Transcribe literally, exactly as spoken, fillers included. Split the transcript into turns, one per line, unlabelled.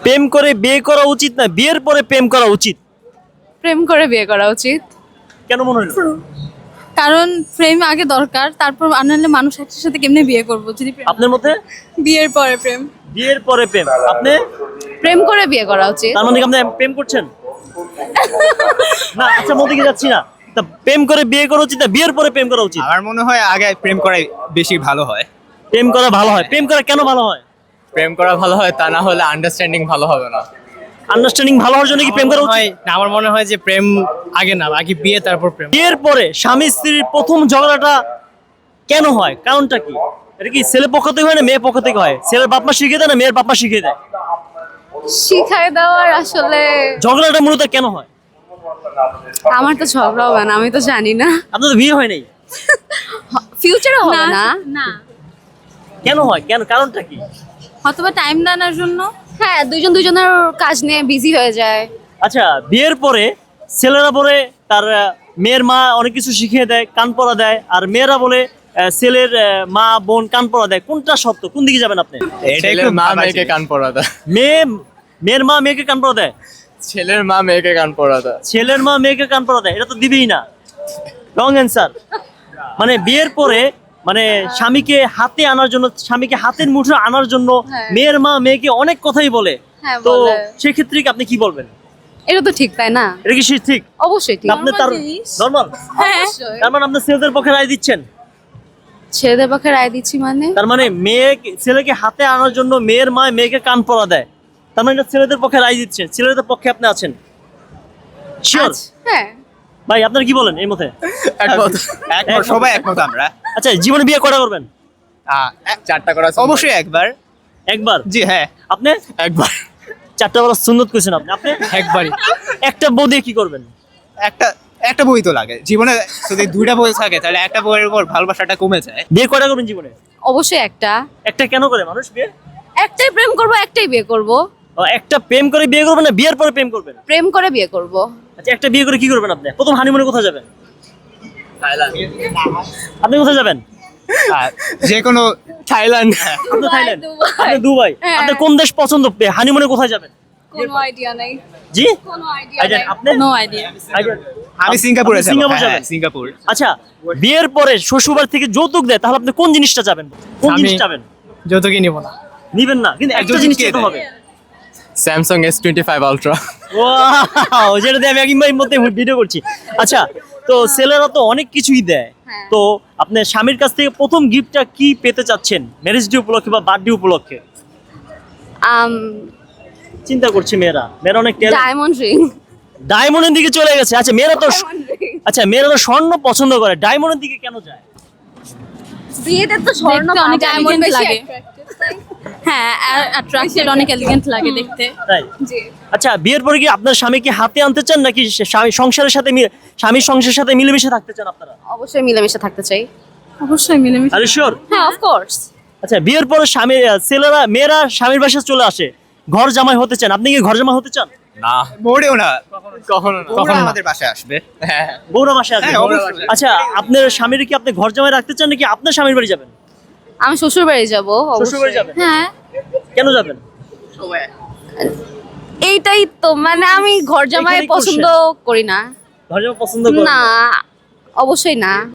প্রেম করে বিয়ে করা উচিত না বিয়ের পরে প্রেম করা উচিত?
প্রেম করে বিয়ে করা উচিত।
কেন মনে হলো?
কারণ প্রেম আগে দরকার, তারপর আনালে মানুষ একসাথে সাথে কেমনে বিয়ে করবো যদি প্রেম-
আপনার মতে?
বিয়ের পরে প্রেম।
বিয়ের পরে প্রেম। আপনি?
প্রেম করে বিয়ে করা উচিত।
তার মানে কি আপনি প্রেম করছেন? না, আচ্ছা মতে কি যাচ্ছি না। তা প্রেম করে বিয়ে করা উচিত না বিয়ের পরে প্রেম করা উচিত?
আমার মনে হয় আগে প্রেম করাই বেশি ভালো হয়।
প্রেম করা ভালো হয়। প্রেম করা কেন ভালো হয়?
প্রেম করা ভালো হয়, তা না হলে আন্ডারস্ট্যান্ডিং ভালো হবে না।
আন্ডারস্ট্যান্ডিং ভালো হওয়ার জন্য কি প্রেম করা উচিত?
না, আমার মনে হয় যে প্রেম আগে না, আগে বিয়ে তারপর প্রেম।
বিয়ের পরে স্বামী স্ত্রীর প্রথম ঝগড়াটা কেন হয়? কারণটা কি? এটা কি ছেলে পক্ষ থেকে হয় না মেয়ে পক্ষ থেকে হয়? ছেলের বাপ মা শিখিয়ে দেয় না মেয়ের বাপ মা শিখিয়ে দেয়?
শিখাই দেওয়ার আসলে
ঝগড়াটা মূলত কেন হয়?
আমার তো ঝগড়া হবে না, আমি তো জানি না।
আপনার তো বিয়ে হয় নাই,
ফিউচারে হবে না। না,
কেন হয়? কেন, কারণটা কি?
হয়তোবা টাইম দেওয়ার জন্য। হ্যাঁ, দুইজন দুইজনের কাজ নিয়ে বিজি হয়ে যায়।
আচ্ছা, বিয়ের পরে ছেলেরা বলে তার আহ, মেয়ের মা অনেক কিছু শিখিয়ে দেয়, কান পড়া দেয়, আর মেয়েরা বলে আহ, ছেলের আহ, মা বোন কান পড়া দেয়। কোনটা সত্য? কোন দিকে যাবেন আপনি?
এটা
ছেলের
একটু
মা
ভাবা
মেয়েকে
জিনিস।
কান পড়া দেয়।
মেয়ে মেয়ের মা মেয়েকে কান পড়া দেয়?
ছেলের মা মেয়েকে কান পড়া দেয়।
ছেলের মা মেয়েকে কান পড়া দেয়? এটা তো দিবেই না। Wrong answer. মানে বিয়ের পরে মানে স্বামীকে হাতে আনার জন্য, স্বামীকে হাতের মুঠো আনার জন্য
হ্যাঁ।
মেয়ের মা মেয়েকে অনেক কথাই বলে।
হ্যাঁ,
তো
বলে।
সেক্ষেত্রে কি আপনি কি বলবেন?
এটা তো ঠিক, তাই না?
এটা কি সে ঠিক?
অবশ্যই ঠিক।
আপনি তার নরমাল,
হ্যাঁ,
তার মানে আপনি ছেলেদের পক্ষে রায় দিচ্ছেন?
ছেলেদের পক্ষে রায় দিচ্ছি মানে
তার মানে মেয়ে ছেলেকে হাতে আনার জন্য মেয়ের মা মেয়েকে কান পড়া দেয়, তার মানে এটা ছেলেদের পক্ষে রায় দিচ্ছেন, ছেলেদের পক্ষে আপনি আছেন শিওর?
আচ্ছা, হ্যাঁ।
ভাই আপনার কি বলেন এই মতে?
একমত।
একমত, সবাই একমত আমরা।
আচ্ছা, জীবনে বিয়ে কটা করবেন?
আহ, এক-
চারটা করা
অবশ্যই একবার।
একবার?
জি হ্যাঁ,
আপনি
একবার।
চারটা বড় সুন্নত করেছেন আপনি। আপনি
একবারই।
একটা বউ দিয়ে কি করবেন?
একটা একটা বই তো লাগে জীবনে। যদি দুইটা বই থাকে তাহলে একটা বইয়ের উপর ভালোবাসাটা কমে যায়।
বিয়ে কয়টা করবেন জীবনে?
অবশ্যই একটা।
একটা কেন করে মানুষ বিয়ে?
একটাই প্রেম করব, একটাই বিয়ে করব।
ও, একটা প্রেম করে বিয়ে করবেন না বিয়ের পরে প্রেম করবেন?
প্রেম করে বিয়ে করব।
আচ্ছা, একটা বিয়ে করে কি করবেন আপনি? প্রথম হানিমুনে কোথায় যাবেন? আপনি কোথায় যাবেন?
আর যে কোনো
থাইল্যান্ড।
আপনি থাইল্যান্ড,
দুবাই।
আপনি দুবাই।
হ্যাঁ।
আপনি কোন দেশ পছন্দ? হানিমুনে কোথায় যাবেন?
কোনো আইডিয়া নাই।
জি,
কোনো আইডিয়া
আইডিয়া
নাই।
আপনি?
No idea.
আইডিয়া-
আমি সিঙ্গাপুরে
আপনি
যাব।
সিঙ্গাপুর
হ্যাঁ,
যাবেন?
সিঙ্গাপুর।
আচ্ছা, বিয়ের পরে শ্বশুরবাড়ি থেকে যৌতুক দেয়, তাহলে আপনি কোন জিনিসটা চাবেন? কোন
আমি-
জিনিস চাবেন?
যৌতুকই নিব না।
নিবেন না, কিন্তু একটা
যৌতুক
জিনিস
কে
চাইতে
দেয়?
হবে।
Samsung S twenty five ultra.
Wow, যেটা দিয়ে আমি একই মধ্যে ভিডিও করছি। আচ্ছা, তো ছেলেরা তো অনেক কিছুই দেয়,
হ্যাঁ।
তো আপনার স্বামীর কাছ থেকে প্রথম গিফটটা কি পেতে চাচ্ছেন ম্যারেজ ডে উপলক্ষে বা বার্থডে উপলক্ষে?
আম
চিন্তা করছি, মেয়েরা মেয়েরা অনেক
ডায়মন্ড রিং।
ডায়মন্ডের দিকে চলে গেছে। আচ্ছা, মেয়েরা তো আচ্ছা মেয়েরা তো স্বর্ণ পছন্দ করে, ডায়মন্ডের দিকে কেন যায়?
বিয়েতে তো স্বর্ণ
অনেক
ডায়মন্ড
elegant
বেশি
লাগে। হ্যাঁ, অ্যাট্রাক্টেড অনেক এলিগেন্ট লাগে দেখতে।
তাই?
জি।
আচ্ছা, বিয়ের পরে কি আপনার স্বামীকে হাতে আনতে চান নাকি সে- স্বামী সংসারের সাথে মি- স্বামীর সংসারের সাথে মিলেমিশে থাকতে চান আপনারা?
অবশ্যই মিলেমিশে থাকতে চাই।
অবশ্যই মিলেমিশে।
আরে শিওর?
হ্যাঁ, অফ কোর্স।
আচ্ছা, বিয়ের পরে স্বামী ছেলেরা মেয়েরা স্বামীর বাসায় চলে আসে, ঘর জামাই হতে চান। আপনি কি ঘর জামাই হতে চান?
না,
মোড়েও না,
কখনো না।
কখনো আমাদের বাসায় আসবে।
হ্যাঁ,
বউরা বাসায় আসবে?
হ্যাঁ, অবশ্যই।
আচ্ছা, আপনার স্বামীর কি আপনি ঘর জামাই রাখতে চান নাকি আপনার স্বামীর বাড়ি যাবেন?
আমি শ্বশুর বাড়ি যাবো।
শ্বশুর বাড়ি যাবেন?
হ্যাঁ,
কেন যাবেন?
এইটাই তো, মানে আমি ঘর জামাই
এখানেই
পছন্দ করি না।
ঘর জামাই পছন্দ করেন
না, অবশ্যই না।